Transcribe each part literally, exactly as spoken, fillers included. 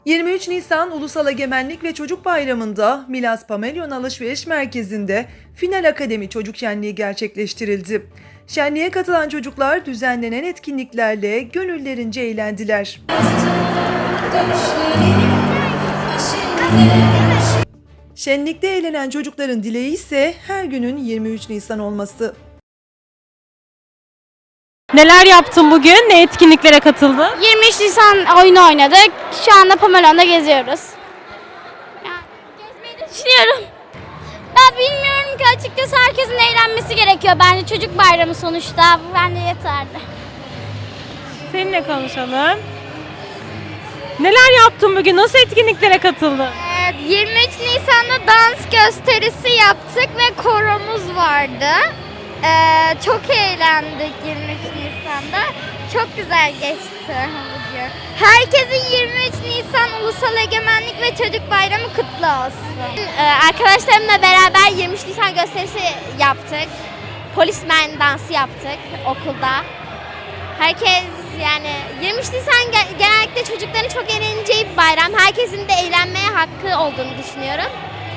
yirmi üç Nisan Ulusal Egemenlik ve Çocuk Bayramı'nda Milas Pamelyon Alışveriş Merkezi'nde Final Akademi Çocuk Şenliği gerçekleştirildi. Şenliğe katılan çocuklar düzenlenen etkinliklerle gönüllerince eğlendiler. Şenlikte eğlenen çocukların dileği ise her günün yirmi üç Nisan olması. Neler yaptın bugün? Ne etkinliklere katıldın? yirmi üç Nisan oyunu oynadık. Şu anda Pamelon'da geziyoruz. Yani gezmeyi de düşünüyorum. Ben bilmiyorum ki, açıkçası herkesin eğlenmesi gerekiyor. Bence çocuk bayramı sonuçta. Bu bence yeterli. Seninle konuşalım. Neler yaptın bugün? Nasıl etkinliklere katıldın? Evet, yirmi üç Nisan'da dans gösterisi yaptık ve koromuz vardı. Ee, çok eğlendik yirmi üç Nisan'da. Çok güzel geçti bugün. Herkesin yirmi üç Nisan Ulusal Egemenlik ve Çocuk Bayramı kutlu olsun. Ee, arkadaşlarımla beraber yirmi üç Nisan gösterisi yaptık. Polismen dansı yaptık okulda. Herkes yani yirmi üç Nisan genellikle çocukların çok eğleneceği bir bayram. Herkesin de eğlenmeye hakkı olduğunu düşünüyorum.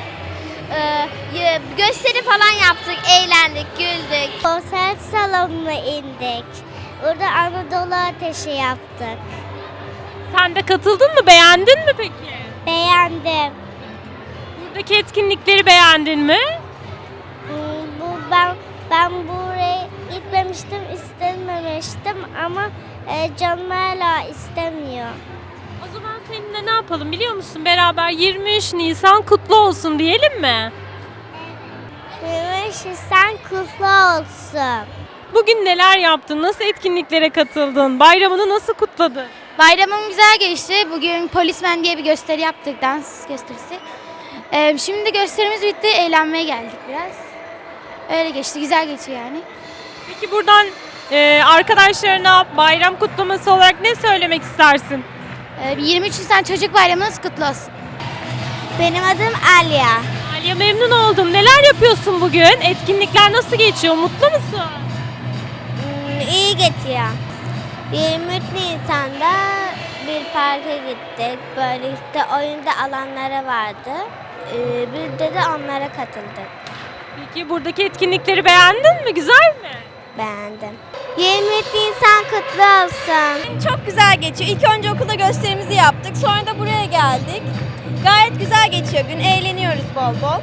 Ee, gösteri falan yaptık, eğlendik, güldük. Konser salonuna indik. Orada Anadolu Ateşi yaptık. Sen de katıldın mı? Beğendin mi peki? Beğendim. Buradaki etkinlikleri beğendin mi? Hmm, Bu ben ben buraya gitmemiştim, istememiştim ama e, canım hala istemiyor. O zaman seninle ne yapalım biliyor musun? Beraber yirmi üç Nisan kutlu olsun diyelim mi? yirmi üç Nisan kutlu olsun. Bugün neler yaptın? Nasıl etkinliklere katıldın? Bayramını nasıl kutladın? Bayramım güzel geçti. Bugün Polismen diye bir gösteri yaptık, dans gösterisi. Ee, şimdi gösterimiz bitti, eğlenmeye geldik biraz. Öyle geçti, güzel geçiyor yani. Peki buradan e, arkadaşlarına bayram kutlaması olarak ne söylemek istersin? Ee, yirmi üç Nisan Çocuk Bayramınız kutlu olsun. Benim adım Alya. Aliye, memnun oldum. Neler yapıyorsun bugün? Etkinlikler nasıl geçiyor? Mutlu musun? Hmm, iyi geçiyor. yirmi üç Nisan'da bir parka gittik. Böyle işte oyunda alanları vardı. Ee, biz de, de onlara katıldık. Peki buradaki etkinlikleri beğendin mi? Güzel mi? Beğendim. yirmi üç Nisan kutlu olsun. Çok güzel geçiyor. İlk önce okulda gösterimizi yaptık. Sonra da buraya geldik. Gayet güzel geçiyor gün. Eğleniyoruz bol bol.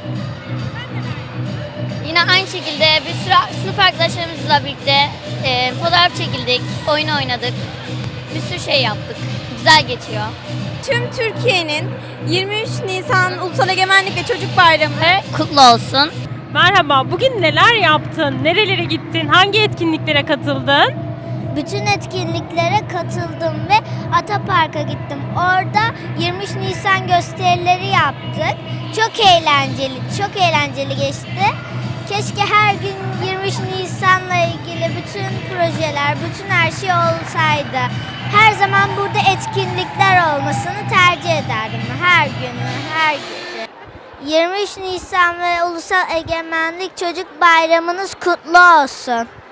Yine aynı şekilde bir sürü sınıf arkadaşlarımızla birlikte e, fotoğraf çekildik, oyun oynadık. Bir sürü şey yaptık. Güzel geçiyor. Tüm Türkiye'nin yirmi üç Nisan Ulusal Egemenlik ve Çocuk Bayramı Kutlu olsun. Merhaba, bugün neler yaptın? Nerelere gittin? Hangi etkinliklere katıldın? Bütün etkinliklere katıldım ve Atapark'a gittim. Orada yirmi üç Nisan gösterileri yaptık. Çok eğlenceli, çok eğlenceli geçti. Keşke her gün yirmi üç Nisan'la ilgili bütün projeler, bütün her şey olsaydı. Her zaman burada etkinlikler olmasını tercih ederdim. Her gün, her gece. yirmi üç Nisan ve Ulusal Egemenlik Çocuk Bayramınız kutlu olsun.